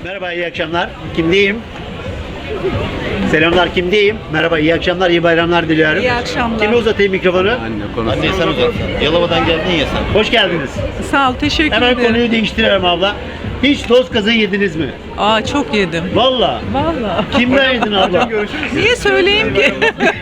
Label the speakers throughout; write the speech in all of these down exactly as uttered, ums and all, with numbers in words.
Speaker 1: Merhaba, iyi akşamlar. Kimdeyim? Selamlar, kimdeyim? Merhaba, iyi akşamlar, iyi bayramlar diliyorum.
Speaker 2: İyi akşamlar.
Speaker 1: Kime uzatayım mikrofonu?
Speaker 3: Anne konu. Anne sen uzat. Yalova'dan geldin ya sen.
Speaker 1: Hoş geldiniz.
Speaker 2: Sağ ol, teşekkür
Speaker 1: Hemen
Speaker 2: ederim.
Speaker 1: konuyu değiştiriyorum abla. Hiç toz kazığı yediniz mi?
Speaker 2: Aa, çok yedim.
Speaker 1: Valla.
Speaker 2: Vallahi.
Speaker 1: Kimden yedin abla?
Speaker 2: Niye söyleyeyim ki?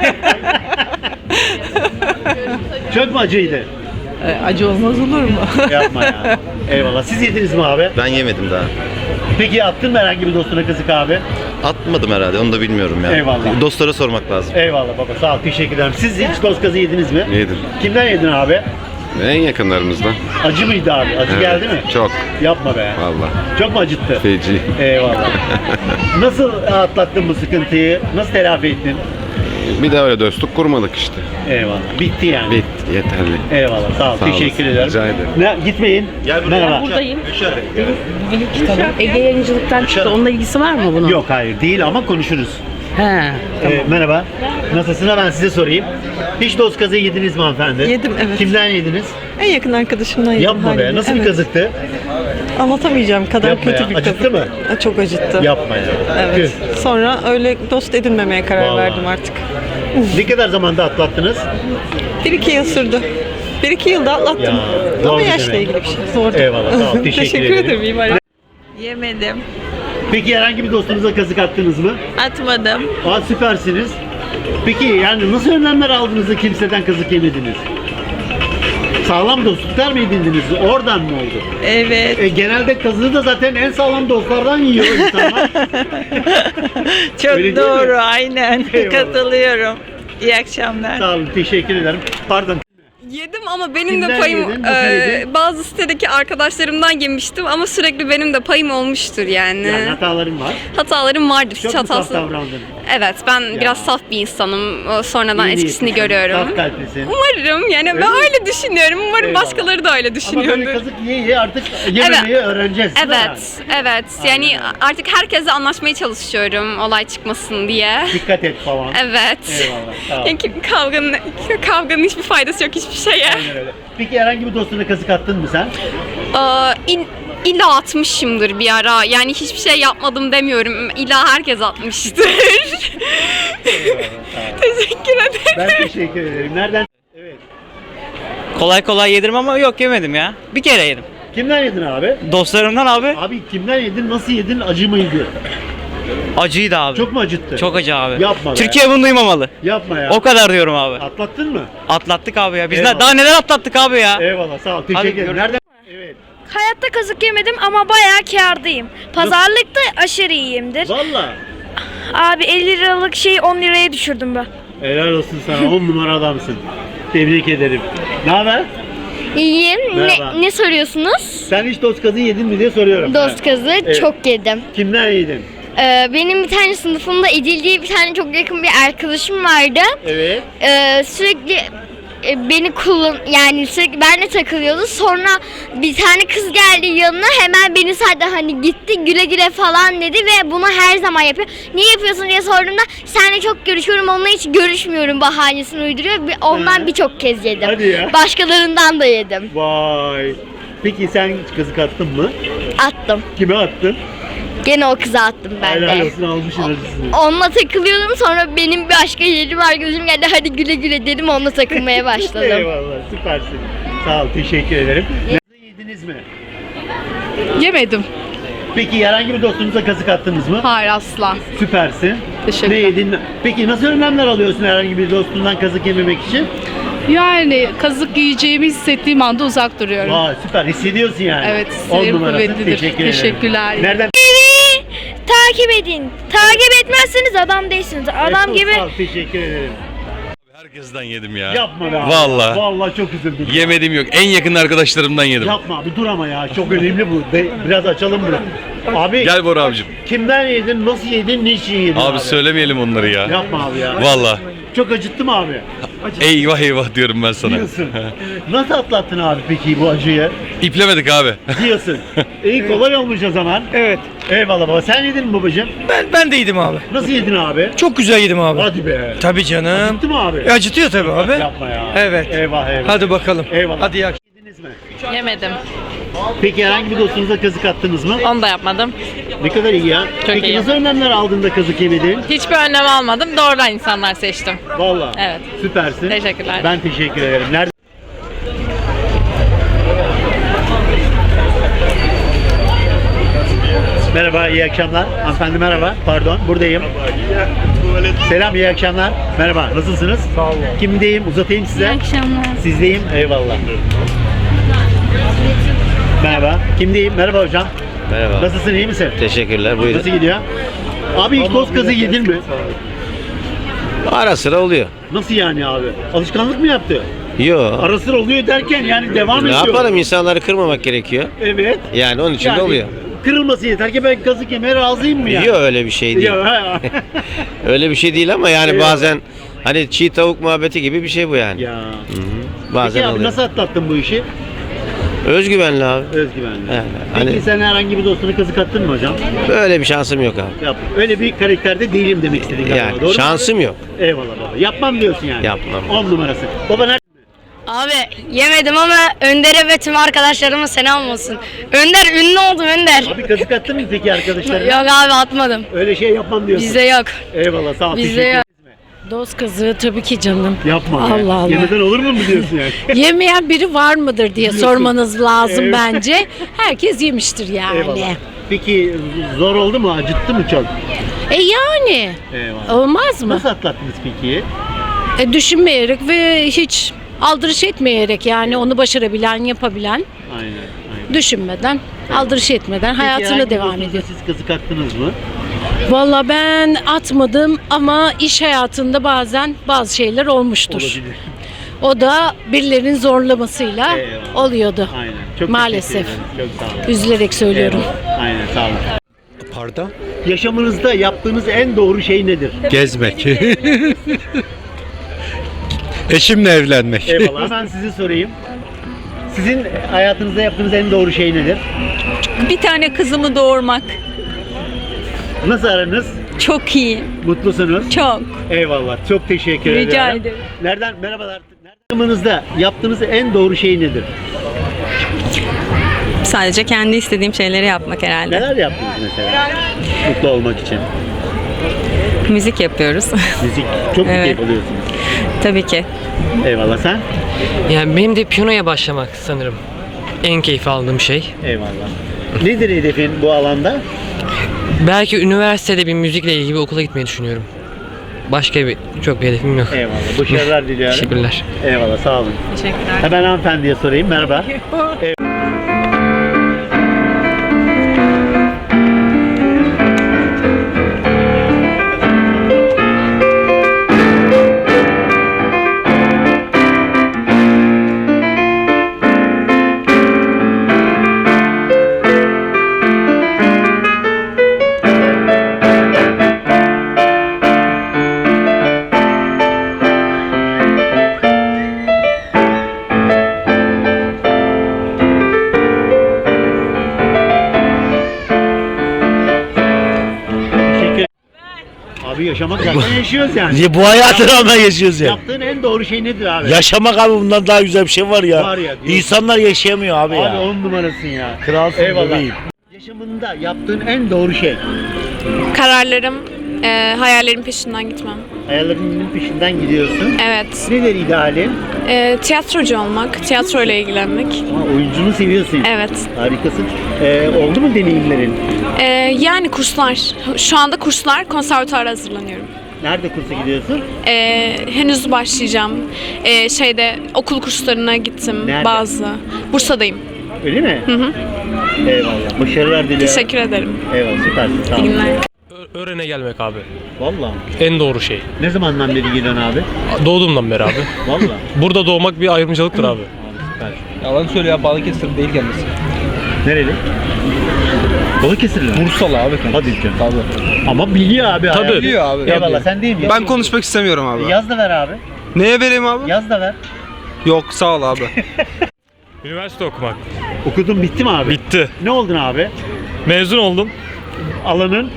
Speaker 1: Çok mu acıydı?
Speaker 2: E, Acı olmaz olur mu?
Speaker 1: Yapma ya. Eyvallah. Siz yediniz mi abi?
Speaker 3: Ben yemedim daha.
Speaker 1: Peki attın mı herhangi bir dostuna kazık abi?
Speaker 3: Atmadım herhalde, onu da bilmiyorum ya.
Speaker 1: Eyvallah.
Speaker 3: Dostlara sormak lazım.
Speaker 1: Eyvallah baba, sağ ol, teşekkür ederim. Siz hiç toz kazığı yediniz mi?
Speaker 4: Yedim.
Speaker 1: Kimden yedin abi?
Speaker 4: En yakınlarımızdan.
Speaker 1: Acı mıydı abi? Acı
Speaker 4: Evet,
Speaker 1: geldi mi?
Speaker 4: çok.
Speaker 1: Yapma be.
Speaker 4: Vallahi.
Speaker 1: Çok mu acıttı?
Speaker 4: Feci.
Speaker 1: Eyvallah. Nasıl atlattın bu sıkıntıyı? Nasıl telafi ettin?
Speaker 4: Bir de öyle dostluk kurmadık işte.
Speaker 1: Eyvallah. Bitti yani.
Speaker 4: Bitti, yeterli.
Speaker 1: Eyvallah. Sağ ol.
Speaker 4: Sağ
Speaker 1: teşekkür
Speaker 4: olasın,
Speaker 1: ederim.
Speaker 4: rica ederim.
Speaker 1: Ne, gitmeyin.
Speaker 3: Gel buraya.
Speaker 1: Merhaba.
Speaker 5: Buradayım.
Speaker 3: Yaşar.
Speaker 5: Benim kitabım. Ege Yayıncılık'tan çıktı. Onunla ilgisi var mı bunun?
Speaker 1: Yok hayır değil ama konuşuruz.
Speaker 5: He.
Speaker 1: Ee, merhaba. Nasılsın? Ben size sorayım. Hiç dost kazığı yediniz mi hanımefendi?
Speaker 2: Yedim, evet.
Speaker 1: Kimden yediniz?
Speaker 2: En yakın arkadaşımdan yedim.
Speaker 1: Yapma be.
Speaker 2: haliyle.
Speaker 1: Nasıl bir
Speaker 2: Evet.
Speaker 1: kazıktı?
Speaker 2: Anlatamayacağım kadar
Speaker 1: Yapma
Speaker 2: kötü
Speaker 1: ya.
Speaker 2: bir
Speaker 1: Acıttı
Speaker 2: kazık.
Speaker 1: mı?
Speaker 2: Ha, Çok acıttı.
Speaker 1: Yapma ya.
Speaker 2: Evet. Sonra öyle dost edinmemeye karar
Speaker 1: Vallahi.
Speaker 2: verdim artık.
Speaker 1: Tüh. Ne kadar zamanda atlattınız?
Speaker 2: Bir iki yıl sürdü. Bir iki yılda atlattım.
Speaker 1: Ya, zor
Speaker 2: Ama
Speaker 1: bir
Speaker 2: yaşla
Speaker 1: demek.
Speaker 2: ilgili bir şey. Zordu.
Speaker 1: Eyvallah, sağ ol. Teşekkür ederim.
Speaker 2: ederim. İyi bayramlar.
Speaker 6: Yemedim.
Speaker 1: Peki herhangi bir dostunuza kazık attınız mı?
Speaker 6: Atmadım.
Speaker 1: Aa, süpersiniz. Peki yani nasıl önlemler aldınız da kimseden kazık yemediniz? Sağlam dostluklar mı edindiniz? Oradan mı oldu?
Speaker 6: Evet.
Speaker 1: E, genelde kazığı da zaten en sağlam dostlardan yiyor insanlar.
Speaker 6: Çok
Speaker 1: Öyle değil
Speaker 6: doğru.
Speaker 1: mi?
Speaker 6: Aynen.
Speaker 1: Eyvallah.
Speaker 6: Katılıyorum. İyi akşamlar.
Speaker 1: Sağ olun, teşekkür ederim. Pardon.
Speaker 7: Yedim ama benim
Speaker 1: Kimden
Speaker 7: de payım
Speaker 1: yedin? Nasıl
Speaker 7: e,
Speaker 1: yedin?
Speaker 7: bazı sitedeki arkadaşlarımdan yemiştim ama sürekli benim de payım olmuştur yani.
Speaker 1: Yani hatalarım var.
Speaker 7: Hatalarım vardır.
Speaker 1: Çok
Speaker 7: Hiç
Speaker 1: mu saf
Speaker 7: hatası.
Speaker 1: davrandın?
Speaker 7: Evet, ben biraz saf bir insanım. O, Sonradan
Speaker 1: İyi
Speaker 7: etkisini
Speaker 1: niyetlisin,
Speaker 7: görüyorum.
Speaker 1: Saf kalplisin.
Speaker 7: Umarım yani
Speaker 1: Öyle
Speaker 7: ben
Speaker 1: mi?
Speaker 7: öyle düşünüyorum. Umarım
Speaker 1: Eyvallah.
Speaker 7: başkaları da öyle
Speaker 1: Ama
Speaker 7: düşünüyordur.
Speaker 1: böyle kazık yiye yiye artık yememeyi öğreneceğiz. değil mi
Speaker 7: Evet, evet. Yani
Speaker 1: Aynen öyle.
Speaker 7: artık herkesle anlaşmaya çalışıyorum olay çıkmasın diye.
Speaker 1: yani? Dikkat et falan.
Speaker 7: Evet.
Speaker 1: Eyvallah, sağ ol.
Speaker 7: Yani kavganın, kavganın hiçbir faydası yok hiçbir şeye.
Speaker 1: Aynen öyle. Peki herhangi bir dostuna kazık attın mı sen?
Speaker 7: Aa, in, illa atmışımdır bir ara. Yani hiçbir şey yapmadım demiyorum. İlla herkes atmıştır. Teşekkür ederim.
Speaker 1: Ben teşekkür ederim. Nereden? Evet.
Speaker 8: Kolay kolay yedim ama yok yemedim ya. Bir kere yedim.
Speaker 1: Kimden yedin abi?
Speaker 8: Dostlarımdan abi.
Speaker 1: Abi kimden yedin? Nasıl yedin? Acı mıydı?
Speaker 8: Acıydı abi.
Speaker 1: Çok mu acıttı?
Speaker 8: Çok acı abi.
Speaker 1: Yapma be.
Speaker 8: Türkiye bunu duymamalı.
Speaker 1: Yapma ya.
Speaker 8: O kadar diyorum abi.
Speaker 1: Atlattın mı?
Speaker 8: Atlattık abi ya. Biz ne-
Speaker 1: Eyvallah.
Speaker 8: daha neler atlattık abi ya.
Speaker 1: Eyvallah, sağ ol. Teşekkür ederim.
Speaker 8: görüşürüz.
Speaker 1: Nereden? Evet.
Speaker 9: Hayatta kazık yemedim ama bayağı kârdayım. Pazarlıkta aşırı iyiyimdir.
Speaker 1: Valla.
Speaker 9: Abi elli liralık şeyi on liraya düşürdüm ben.
Speaker 1: Helal olsun sana. On numara adamsın. Tebrik ederim. Ne haber?
Speaker 10: İyiyim.
Speaker 1: Merhaba.
Speaker 10: Ne, ne soruyorsunuz?
Speaker 1: Sen hiç dost kazığı yedin mi diye soruyorum.
Speaker 10: Dost
Speaker 1: Ha.
Speaker 10: kazı
Speaker 1: Evet.
Speaker 10: çok yedim.
Speaker 1: Kimden yedin?
Speaker 10: Ee, benim bir tane sınıfımda İdil diye bir tane çok yakın bir arkadaşım vardı.
Speaker 1: Evet.
Speaker 10: Ee, sürekli e, beni kullan yani sürekli benimle takılıyordu. Sonra bir tane kız geldi yanına, hemen beni saydı, hani gitti güle güle falan dedi ve bunu her zaman yapıyor. Niye yapıyorsun diye sorduğumda seninle çok görüşüyorum, onunla hiç görüşmüyorum bahanesini uyduruyor. Bir- Ondan
Speaker 1: Hı.
Speaker 10: birçok kez yedim.
Speaker 1: Hadi ya.
Speaker 10: Başkalarından da yedim.
Speaker 1: Vay. Peki sen hiç kazık attın mı?
Speaker 10: Attım.
Speaker 1: Kime attın?
Speaker 10: Gene o kıza attım ben
Speaker 1: Helal
Speaker 10: de.
Speaker 1: olsun, almışsın acısını.
Speaker 10: Onunla takılıyordum, sonra benim başka yerim arkadaşım geldi, hadi güle güle dedim, onunla takılmaya başladım.
Speaker 1: Eyvallah, süpersin. Sağ ol, teşekkür ederim. Nerede yediniz mi?
Speaker 2: Yemedim.
Speaker 1: Peki herhangi bir dostunuza kazık attınız mı?
Speaker 2: Hayır, asla.
Speaker 1: Süpersin.
Speaker 2: Teşekkürler.
Speaker 1: Ne yedin? Peki nasıl önlemler alıyorsun herhangi bir dostundan kazık yememek için?
Speaker 2: Yani kazık yiyeceğimi hissettiğim anda uzak duruyorum.
Speaker 1: Vay, süper, hissediyorsun yani.
Speaker 2: Evet,
Speaker 1: On
Speaker 2: sinir
Speaker 1: numarasın.
Speaker 2: kuvvetlidir.
Speaker 1: Teşekkür ederim.
Speaker 2: Teşekkürler.
Speaker 1: Nereden?
Speaker 9: Takip edin. Takip etmezseniz adam değilsiniz. Adam
Speaker 1: Evet,
Speaker 9: gibi
Speaker 1: sağ ol, teşekkür ederim.
Speaker 4: Herkesten yedim ya.
Speaker 1: Yapma be abi.
Speaker 4: Vallahi.
Speaker 1: Vallahi çok üzüldüm.
Speaker 4: Yemedim yok. En yakın arkadaşlarımdan yedim.
Speaker 1: Yapma abi, dur ama ya. Çok önemli bu. De- biraz açalım bunu. Abi
Speaker 4: Gel Bora abicim.
Speaker 1: kimden yedin, nasıl yedin, niçin yedin abi?
Speaker 4: Abi söylemeyelim onları ya.
Speaker 1: Yapma abi ya.
Speaker 4: Vallahi.
Speaker 1: Çok acıttı mı abi?
Speaker 4: Eyvah eyvah diyorum ben sana.
Speaker 1: Diyorsun. Nasıl atlattın abi peki bu acıyı?
Speaker 4: İplemedik abi.
Speaker 1: Diyorsun. İyi, kolay olmuş o zaman.
Speaker 8: Evet.
Speaker 1: Eyvallah baba. Sen yedin mi babacığım?
Speaker 8: Ben ben de yedim abi.
Speaker 1: Nasıl yedin abi?
Speaker 8: Çok güzel yedim abi.
Speaker 1: Hadi be.
Speaker 8: Tabii canım.
Speaker 1: Acıttı mı abi?
Speaker 8: E, acıtıyor tabii abi.
Speaker 1: Yapma ya.
Speaker 8: Evet.
Speaker 1: Eyvah eyvah.
Speaker 8: Hadi bakalım.
Speaker 1: Eyvallah.
Speaker 8: Hadi iyi
Speaker 1: Yediniz mi?
Speaker 6: Yemedim.
Speaker 1: Peki herhangi bir dostunuza kazık attınız mı?
Speaker 6: Onu da yapmadım.
Speaker 11: iyi.
Speaker 1: Ne kadar iyi ya. Peki
Speaker 11: iyi.
Speaker 1: nasıl önlemler aldın da kazık yemedin?
Speaker 11: Hiçbir önlem almadım. Doğrudan insanlar seçtim.
Speaker 1: Vallahi.
Speaker 11: Evet.
Speaker 1: Süpersin.
Speaker 11: Teşekkürler.
Speaker 1: Ben teşekkür ederim. Nerede? Merhaba, iyi akşamlar. Hanımefendi merhaba. Pardon, buradayım. Selam, iyi akşamlar. Merhaba, nasılsınız? Sağ olun. Kimdeyim? Uzatayım size.
Speaker 10: İyi akşamlar.
Speaker 1: Sizdeyim. Eyvallah. Merhaba. Kimdeyim? Merhaba hocam.
Speaker 3: Merhaba.
Speaker 1: Nasılsın, iyi misin?
Speaker 3: Teşekkürler.
Speaker 1: Nasıl
Speaker 3: Buyurun.
Speaker 1: gidiyor? Abi hiç toz kazı yedin mi?
Speaker 3: Ara sıra oluyor.
Speaker 1: Nasıl yani abi? Alışkanlık mı yaptı?
Speaker 3: Yo.
Speaker 1: Ara sıra oluyor derken yani devam
Speaker 3: Ne
Speaker 1: ediyor.
Speaker 3: yapalım, insanları kırmamak gerekiyor.
Speaker 1: Evet.
Speaker 3: Yani onun için
Speaker 1: Yani
Speaker 3: de oluyor.
Speaker 1: Kırılması yeter ki ben kazık yemeye razıyım mı yani?
Speaker 3: Yok, öyle bir şey değil.
Speaker 1: Yok, ha.
Speaker 3: Öyle bir şey değil ama yani
Speaker 1: Eyvallah.
Speaker 3: bazen hani çiğ tavuk muhabbeti gibi bir şey bu yani.
Speaker 1: Ya.
Speaker 3: Hı-hı. Bazen
Speaker 1: Peki abi
Speaker 3: oluyor.
Speaker 1: nasıl atlattın bu işi?
Speaker 3: Özgüvenli abi.
Speaker 1: Özgüvenli.
Speaker 3: Yani,
Speaker 1: Peki
Speaker 3: hani-
Speaker 1: sen herhangi bir dostuna kazık attın mı hocam?
Speaker 3: Böyle bir şansım yok abi.
Speaker 1: Yap. Öyle bir karakterde değilim demek istedin galiba.
Speaker 3: Yani
Speaker 1: Doğru mu?
Speaker 3: şansım yok.
Speaker 1: Eyvallah baba. Yapmam diyorsun yani.
Speaker 3: Yapmam.
Speaker 1: On numarası. Baba nerede?
Speaker 9: Abi yemedim ama Önder'e ve tüm arkadaşlarıma selam olsun. Önder ünlü oldum Önder.
Speaker 1: Abi kazık attın mı peki arkadaşlarına?
Speaker 9: Yok abi atmadım.
Speaker 1: Öyle şey yapmam diyorsun.
Speaker 9: Bizde yok.
Speaker 1: Eyvallah sağ ol.
Speaker 9: Bizde
Speaker 1: teşekkür
Speaker 9: yok.
Speaker 2: Dost kazığı tabii ki canım.
Speaker 1: Yapma. be.
Speaker 2: Allah Allah.
Speaker 1: Yemeden olur mu mu diyorsun yani?
Speaker 2: Yemeyen biri var mıdır diye sormanız lazım
Speaker 1: Evet.
Speaker 2: bence. Herkes yemiştir yani.
Speaker 1: Eyvallah. Peki zor oldu mu? Acıttı mı çok?
Speaker 2: E yani.
Speaker 1: Eyvallah.
Speaker 2: Olmaz mı?
Speaker 1: Nasıl atlattınız peki?
Speaker 2: E, düşünmeyerek ve hiç aldırış etmeyerek yani onu başarabilen, yapabilen,
Speaker 1: Aynen. aynen.
Speaker 2: düşünmeden, aldırış etmeden
Speaker 1: Peki,
Speaker 2: hayatına
Speaker 1: herhangi
Speaker 2: devam
Speaker 1: dostunuza
Speaker 2: ediyor.
Speaker 1: Siz kazık attınız mı?
Speaker 2: Valla ben atmadım ama iş hayatında bazen bazı şeyler olmuştur.
Speaker 1: Olabilir.
Speaker 2: O da birilerinin zorlamasıyla
Speaker 1: Eyvallah.
Speaker 2: oluyordu.
Speaker 1: Aynen. Çok
Speaker 2: Maalesef.
Speaker 1: teşekkür ederim. Çok sağ olun.
Speaker 2: Üzülerek söylüyorum.
Speaker 1: Eyvallah. Aynen sağ olun.
Speaker 12: Pardon?
Speaker 1: Yaşamınızda yaptığınız en doğru şey nedir?
Speaker 12: Gezmek. Eşimle evlenmek.
Speaker 1: Eyvallah. Hemen sizi sorayım. Sizin hayatınızda yaptığınız en doğru şey nedir?
Speaker 6: Bir tane kızımı doğurmak.
Speaker 1: Nasıl aranız?
Speaker 6: Çok iyi.
Speaker 1: Mutlusunuz?
Speaker 6: Çok.
Speaker 1: Eyvallah. Çok teşekkür ederim.
Speaker 6: Rica ederim.
Speaker 1: Nereden? Merhabalar. Yaşamınızda yaptığınız en doğru şey nedir?
Speaker 11: Sadece kendi istediğim şeyleri yapmak herhalde.
Speaker 1: Neler yaptınız mesela? Mutlu olmak için.
Speaker 11: Müzik yapıyoruz.
Speaker 1: Müzik. Çok mu
Speaker 11: Evet.
Speaker 1: keyif alıyorsunuz?
Speaker 11: Tabii ki.
Speaker 1: Eyvallah. Sen?
Speaker 13: Yani benim de piyanoya başlamak sanırım en keyif aldığım şey.
Speaker 1: Eyvallah. Nedir hedefin bu alanda?
Speaker 13: Belki üniversitede bir müzikle ilgili bir okula gitmeyi düşünüyorum. Başka bir çok bir hedefim yok.
Speaker 1: Eyvallah. Başarılar diliyorum.
Speaker 13: Teşekkürler.
Speaker 1: Eyvallah. Sağ olun.
Speaker 11: Teşekkürler.
Speaker 1: Hemen hanımefendiye sorayım. Merhaba. Evet. Teşekkür Abi yaşamak zaten yaşıyoruz yani.
Speaker 12: Bu hayatı rağmen yaşıyoruz ya.
Speaker 1: Yaptığın en doğru şey nedir abi?
Speaker 12: Yaşamak abi, bundan daha güzel bir şey var ya.
Speaker 1: Var ya, diyorsun.
Speaker 12: İnsanlar yaşayamıyor abi,
Speaker 1: Abi
Speaker 12: ya.
Speaker 1: on numarasın ya.
Speaker 12: Kralsın
Speaker 1: Eyvallah.
Speaker 12: bebeğim.
Speaker 1: Yaşamında yaptığın en doğru şey.
Speaker 7: Kararlarım, e, hayallerim peşinden gitmem.
Speaker 1: Hayallerinin peşinden gidiyorsun.
Speaker 7: Evet.
Speaker 1: Nedir idealin?
Speaker 7: E, tiyatrocu olmak, tiyatroyla ilgilenmek.
Speaker 1: Aa, oyuncunu seviyorsun.
Speaker 7: Evet.
Speaker 1: Harikasın. Ee, oldu mu deneyimlerin?
Speaker 7: E, yani kurslar. Şu anda kurslar, konservatuara hazırlanıyorum.
Speaker 1: Nerede kursa gidiyorsun?
Speaker 7: E, henüz başlayacağım. E, şeyde okul kurslarına gittim
Speaker 1: Nerede?
Speaker 7: bazı. Bursa'dayım.
Speaker 1: Öyle mi?
Speaker 7: Hı hı.
Speaker 1: Eyvallah. Başarılar diliyorum.
Speaker 7: Teşekkür ederim.
Speaker 1: Eyvallah. Süpersin. Sağ
Speaker 7: İyi
Speaker 1: ol.
Speaker 7: günler.
Speaker 13: Öğrene gelmek abi.
Speaker 1: Valla.
Speaker 13: En doğru şey.
Speaker 1: Ne zamandan beri geliyorsun abi?
Speaker 13: Doğduğumdan beri abi.
Speaker 1: Valla.
Speaker 13: Burada doğmak bir ayrımcılıktır abi.
Speaker 1: Süper.
Speaker 8: Yalan söylüyor ya, Balıkesir değil kendisi.
Speaker 1: Nereli? Balıkesirli.
Speaker 8: Bursalı abi kendisi.
Speaker 1: Hadi canım.
Speaker 8: Tabii.
Speaker 1: Ama biliyor abi.
Speaker 13: Tabii.
Speaker 1: hayatı.
Speaker 8: Biliyor abi.
Speaker 1: Eyvallah. Sen değil mi?
Speaker 8: Ben konuşmak istemiyorum abi.
Speaker 1: Yaz da ver abi.
Speaker 8: Neye vereyim abi?
Speaker 1: Yaz da ver.
Speaker 8: Yok sağ ol abi.
Speaker 4: Üniversite okumak.
Speaker 1: Okudun bitti mi abi?
Speaker 4: Bitti.
Speaker 1: Ne oldun abi?
Speaker 4: Mezun oldum.
Speaker 1: Alanın?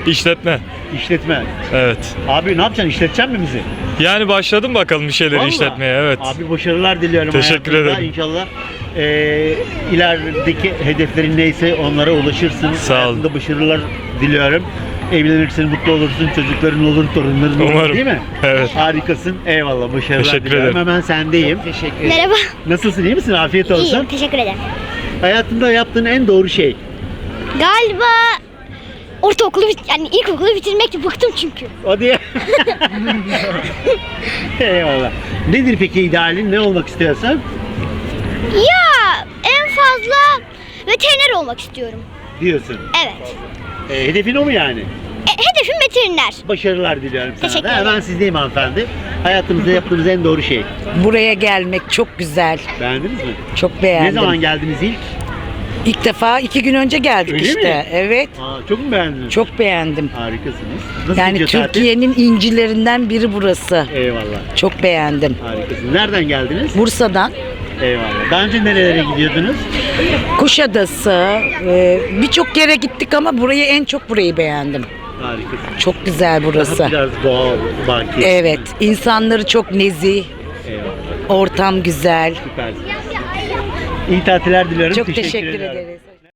Speaker 4: İşletme.
Speaker 1: İşletme.
Speaker 4: Evet.
Speaker 1: Abi ne yapacaksın? İşleteceksin mi bizi?
Speaker 4: Yani başladım bakalım bir şeyler
Speaker 1: Vallahi.
Speaker 4: işletmeye. Evet.
Speaker 1: Abi başarılar diliyorum.
Speaker 4: Teşekkür
Speaker 1: hayatında.
Speaker 4: ederim.
Speaker 1: İnşallah e, ilerideki hedeflerin neyse onlara ulaşırsın.
Speaker 4: Sağ olun.
Speaker 1: Hayatında başarılar diliyorum. Evlenirsin, mutlu olursun, çocukların olur, torunların olur.
Speaker 4: Umarım.
Speaker 1: Değil mi?
Speaker 4: Evet.
Speaker 1: Harikasın. Eyvallah. Başarılar
Speaker 4: Teşekkür
Speaker 1: diliyorum.
Speaker 4: ederim.
Speaker 1: Hemen sendeyim.
Speaker 10: Merhaba.
Speaker 1: Nasılsın? İyi misin? Afiyet olsun.
Speaker 10: İyiyim. Teşekkür ederim.
Speaker 1: Hayatında yaptığın en doğru şey.
Speaker 10: Galiba ortaokulu bit- yani ilkokulu bitirmekti. Bıktım çünkü.
Speaker 1: O diye. Eyvallah. Nedir peki idealin? Ne olmak istiyorsan?
Speaker 10: Ya en fazla veteriner olmak istiyorum.
Speaker 1: Diyorsun.
Speaker 10: Evet.
Speaker 1: E, hedefin o mu yani?
Speaker 10: E, hedefim veteriner.
Speaker 1: Başarılar diliyorum sana
Speaker 10: Teşekkür
Speaker 1: da.
Speaker 10: ederim.
Speaker 1: Hemen sizdeyim hanımefendi. Hayatınızda yaptığınız en doğru şey.
Speaker 14: Buraya gelmek çok güzel.
Speaker 1: Beğendiniz mi?
Speaker 14: Çok beğendim.
Speaker 1: Ne zaman geldiniz ilk?
Speaker 14: İlk defa iki gün önce geldik
Speaker 1: Öyle
Speaker 14: işte.
Speaker 1: mi?
Speaker 14: Evet.
Speaker 1: Aa, çok mu beğendiniz?
Speaker 14: Çok beğendim.
Speaker 1: Harikasınız. Nasıl
Speaker 14: Yani
Speaker 1: gidiyor tatil?
Speaker 14: Türkiye'nin incilerinden biri burası.
Speaker 1: Eyvallah.
Speaker 14: Çok beğendim.
Speaker 1: Harikasınız. Nereden geldiniz?
Speaker 14: Bursa'dan
Speaker 1: Eyvallah. Daha önce nerelere gidiyordunuz?
Speaker 14: Kuşadası, e, birçok yere gittik ama burayı en çok burayı beğendim.
Speaker 1: Harikasınız.
Speaker 14: Çok güzel burası.
Speaker 1: Daha biraz doğal, baki.
Speaker 14: Evet, insanları çok nezih,
Speaker 1: Eyvallah.
Speaker 14: ortam güzel.
Speaker 1: Süpersiniz. İyi tatiller diliyorum.
Speaker 14: Çok
Speaker 1: Teşekkür
Speaker 14: teşekkür
Speaker 1: ederim.
Speaker 14: ederiz.